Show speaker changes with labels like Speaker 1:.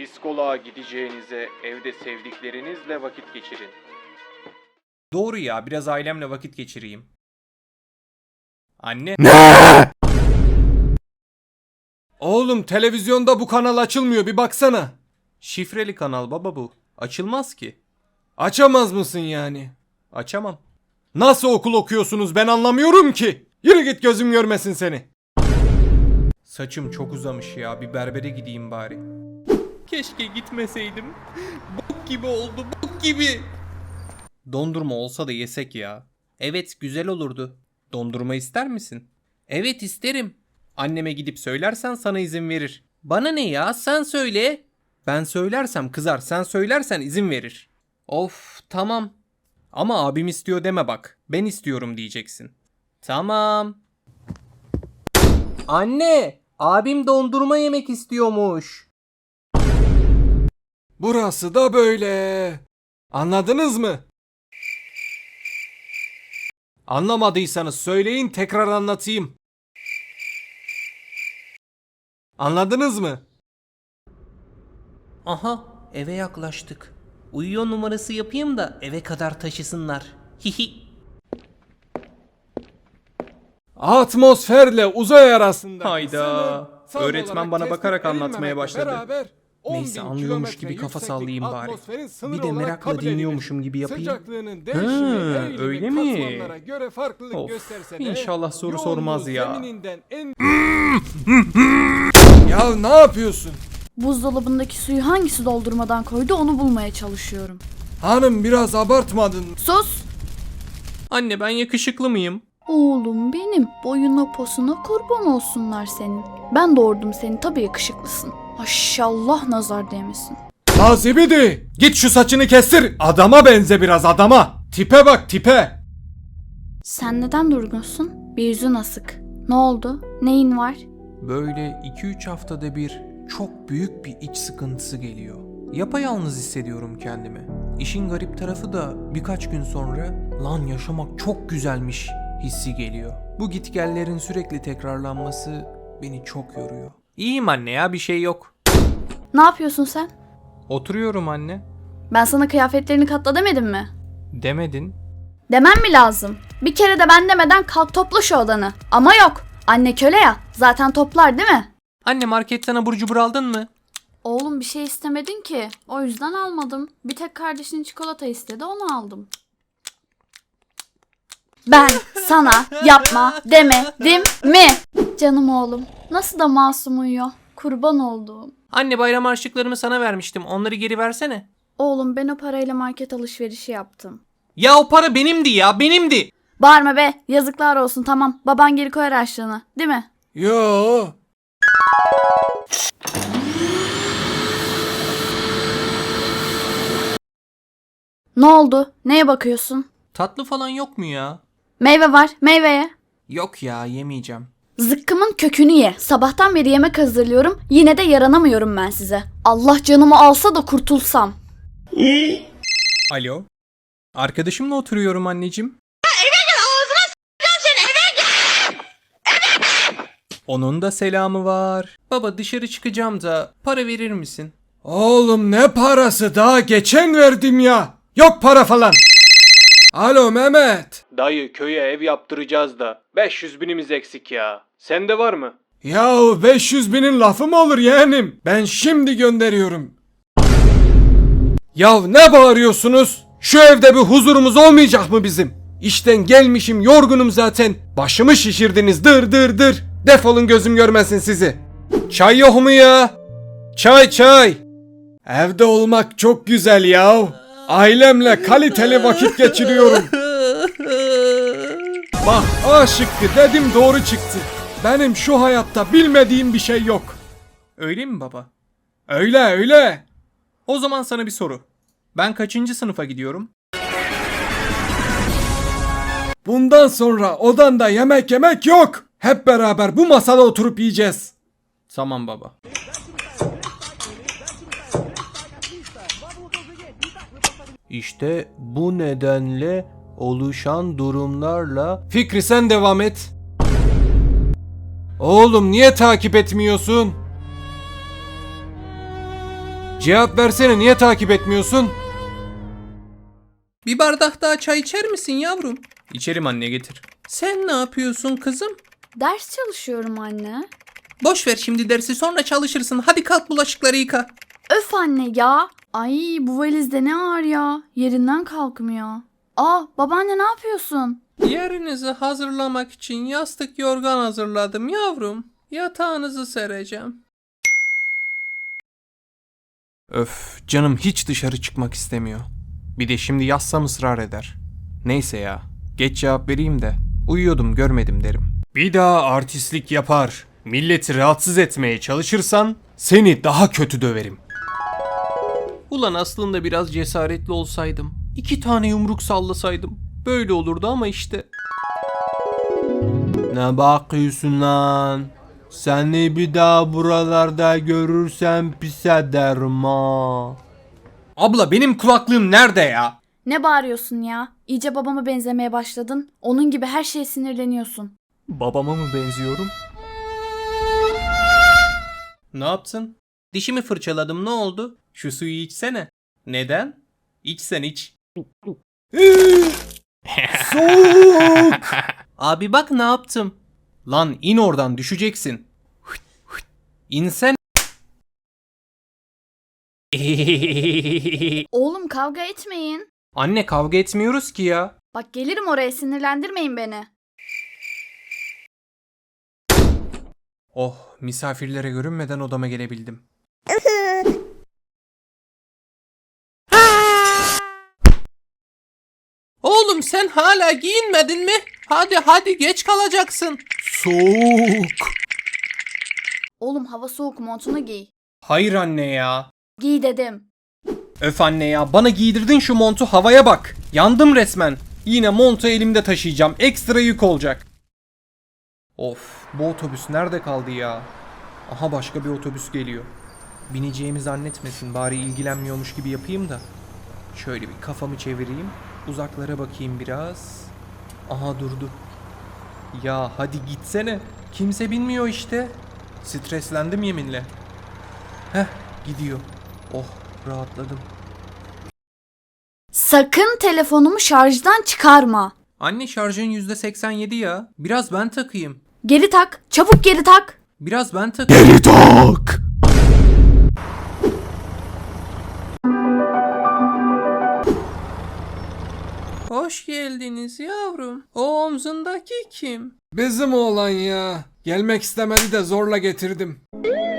Speaker 1: Psikoloğa gideceğinize evde sevdiklerinizle vakit geçirin.
Speaker 2: Doğru ya, biraz ailemle vakit geçireyim. Anne.
Speaker 3: Ne? Oğlum televizyonda bu kanal açılmıyor, bir baksana.
Speaker 2: Şifreli kanal baba bu. Açılmaz ki.
Speaker 3: Açamaz mısın yani?
Speaker 2: Açamam.
Speaker 3: Nasıl okul okuyorsunuz ben anlamıyorum ki. Yürü git, gözüm görmesin seni.
Speaker 2: Saçım çok uzamış ya, bir berbere gideyim bari. Keşke gitmeseydim. Bok gibi oldu, bok gibi. Dondurma olsa da yesek ya. Evet, güzel olurdu. Dondurma ister misin? Evet, isterim. Anneme gidip söylersen sana izin verir. Bana ne ya, sen söyle. Ben söylersem kızar, sen söylersen izin verir. Of, tamam. Ama abim istiyor deme bak. Ben istiyorum diyeceksin. Tamam. Anne, abim dondurma yemek istiyormuş.
Speaker 3: Burası da böyle. Anladınız mı? Anlamadıysanız söyleyin, tekrar anlatayım. Anladınız mı?
Speaker 2: Aha, eve yaklaştık. Uyuyor numarası yapayım da eve kadar taşısınlar. Hihi.
Speaker 3: Atmosferle uzay arasında.
Speaker 2: Hayda. Öğretmen bana bakarak anlatmaya başladı. Neyse, anlıyormuş gibi kafa sallayayım bari. Bir de merakla dinliyormuşum gibi yapayım. Öyle mi? Of, inşallah soru sormaz ya.
Speaker 3: Ya ne yapıyorsun?
Speaker 4: Buzdolabındaki suyu hangisi doldurmadan koydu onu bulmaya çalışıyorum.
Speaker 3: Hanım biraz abartmadın.
Speaker 4: Sus!
Speaker 2: Anne, ben yakışıklı mıyım?
Speaker 4: Oğlum benim, boyuna posuna kurban olsunlar senin. Ben doğurdum seni, tabii yakışıklısın. Maşallah, nazar değmesin.
Speaker 3: Nazibidi, git şu saçını kestir. Adama benze biraz, adama. Tipe bak, tipe.
Speaker 4: Sen neden durgunsun? Bir yüzün asık. Ne oldu? Neyin var?
Speaker 2: Böyle 2-3 haftada bir çok büyük bir iç sıkıntısı geliyor. Yapayalnız hissediyorum kendimi. İşin garip tarafı da birkaç gün sonra lan yaşamak çok güzelmiş hissi geliyor. Bu gitgellerin sürekli tekrarlanması beni çok yoruyor. İyiyim anne ya, bir şey yok.
Speaker 4: Ne yapıyorsun sen?
Speaker 2: Oturuyorum anne.
Speaker 4: Ben sana kıyafetlerini katla demedim mi?
Speaker 2: Demedin.
Speaker 4: Demem mi lazım? Bir kere de ben demeden kalk topla şu odanı. Ama yok. Anne köle ya. Zaten toplar değil mi?
Speaker 2: Anne, marketten abur cubur aldın mı?
Speaker 4: Oğlum bir şey istemedin ki. O yüzden almadım. Bir tek kardeşin çikolata istedi, onu aldım. Ben sana yapma demedim mi? Canım oğlum. Nasıl da masum uyuyor. Kurban olduğum.
Speaker 2: Anne, bayram harçlıklarımı sana vermiştim. Onları geri versene.
Speaker 4: Oğlum ben o parayla market alışverişi yaptım.
Speaker 2: Ya o para benimdi ya, benimdi.
Speaker 4: Bağırma be. Yazıklar olsun, tamam. Baban geri koyar harçlığını. Değil mi?
Speaker 3: Yo.
Speaker 4: Ne oldu? Neye bakıyorsun?
Speaker 2: Tatlı falan yok mu ya?
Speaker 4: Meyve var. Meyveye.
Speaker 2: Yok ya, yemeyeceğim.
Speaker 4: Zıkkımın kökünü ye. Sabahtan beri yemek hazırlıyorum. Yine de yaranamıyorum ben size. Allah canımı alsa da kurtulsam.
Speaker 2: Alo. Arkadaşımla oturuyorum anneciğim. Onun da selamı var. Baba, dışarı çıkacağım da para verir misin?
Speaker 3: Oğlum ne parası, daha geçen verdim ya. Yok para falan. Alo Mehmet.
Speaker 1: Dayı, köye ev yaptıracağız da 500 binimiz eksik ya. Sende var mı?
Speaker 3: Yahu 500 binin lafı mı olur yeğenim? Ben şimdi gönderiyorum. Yahu ne bağırıyorsunuz? Şu evde bir huzurumuz olmayacak mı bizim? İşten gelmişim, yorgunum zaten. Başımı şişirdiniz, dır dır dır. Defolun, gözüm görmesin sizi. Çay yok mu ya? Çay çay. Evde olmak çok güzel ya. Ailemle kaliteli vakit geçiriyorum. Bak, A şıkkı dedim, doğru çıktı. Benim şu hayatta bilmediğim bir şey yok.
Speaker 2: Öyle mi baba?
Speaker 3: Öyle öyle.
Speaker 2: O zaman sana bir soru. Ben kaçıncı sınıfa gidiyorum?
Speaker 3: Bundan sonra odanda yemek yemek yok. Hep beraber bu masada oturup yiyeceğiz.
Speaker 2: Tamam baba. İşte bu nedenle oluşan durumlarla...
Speaker 3: Fikri sen devam et. Oğlum niye takip etmiyorsun? Cevap versene, niye takip etmiyorsun?
Speaker 2: Bir bardak daha çay içer misin yavrum? İçerim anne, getir. Sen ne yapıyorsun kızım?
Speaker 4: Ders çalışıyorum anne.
Speaker 2: Boş ver şimdi dersi, sonra çalışırsın. Hadi kalk, bulaşıkları yıka.
Speaker 4: Öf anne ya. Ay bu valizde ne ağır ya. Yerinden kalkmıyor. Aa babaanne ne yapıyorsun?
Speaker 2: Yerinizi hazırlamak için yastık yorgan hazırladım yavrum. Yatağınızı sereceğim.
Speaker 3: Öf, canım hiç dışarı çıkmak istemiyor. Bir de şimdi yazsam ısrar eder. Neyse ya, geç cevap vereyim de uyuyordum görmedim derim. Bir daha artistlik yapar, milleti rahatsız etmeye çalışırsan seni daha kötü döverim.
Speaker 2: Ulan aslında biraz cesaretli olsaydım, 2 tane yumruk sallasaydım böyle olurdu ama işte.
Speaker 3: Ne bakıyorsun lan? Seni bir daha buralarda görürsem pis ederim ha. Abla benim kulaklığım nerede ya?
Speaker 4: Ne bağırıyorsun ya? İyice babama benzemeye başladın. Onun gibi her şeye sinirleniyorsun.
Speaker 3: Babama mı benziyorum?
Speaker 2: Ne yaptın? Dişimi fırçaladım, ne oldu? Şu suyu içsene. Neden? İçsen iç.
Speaker 3: Soğuk!
Speaker 2: Abi bak ne yaptım.
Speaker 3: Lan in oradan, düşeceksin.
Speaker 2: İnsen.
Speaker 4: Oğlum kavga etmeyin.
Speaker 2: Anne kavga etmiyoruz ki ya.
Speaker 4: Bak gelirim oraya, sinirlendirmeyin beni.
Speaker 3: Oh, misafirlere görünmeden odama gelebildim.
Speaker 2: Oğlum sen hala giyinmedin mi? Hadi geç kalacaksın.
Speaker 3: Soğuk!
Speaker 4: Oğlum hava soğuk, montunu giy.
Speaker 3: Hayır anne ya.
Speaker 4: Giy dedim.
Speaker 3: Öf anne ya, bana giydirdin şu montu, havaya bak. Yandım resmen. Yine montu elimde taşıyacağım, ekstra yük olacak. Of, bu otobüs nerede kaldı ya? Aha başka bir otobüs geliyor. Bineceğimi zannetmesin, bari ilgilenmiyormuş gibi yapayım da. Şöyle bir kafamı çevireyim, uzaklara bakayım biraz. Aha durdu. Ya hadi gitsene. Kimse binmiyor işte. Streslendim yeminle. Heh, gidiyor. Oh, rahatladım.
Speaker 4: Sakın telefonumu şarjdan çıkarma.
Speaker 2: Anne şarjın %87 ya. Biraz ben takayım.
Speaker 4: Geri tak. Çabuk geri tak.
Speaker 2: Biraz ben takayım.
Speaker 3: Geri tak!
Speaker 2: Hoş geldiniz yavrum. O omzundaki kim?
Speaker 3: Bizim oğlan ya. Gelmek istemedi de zorla getirdim.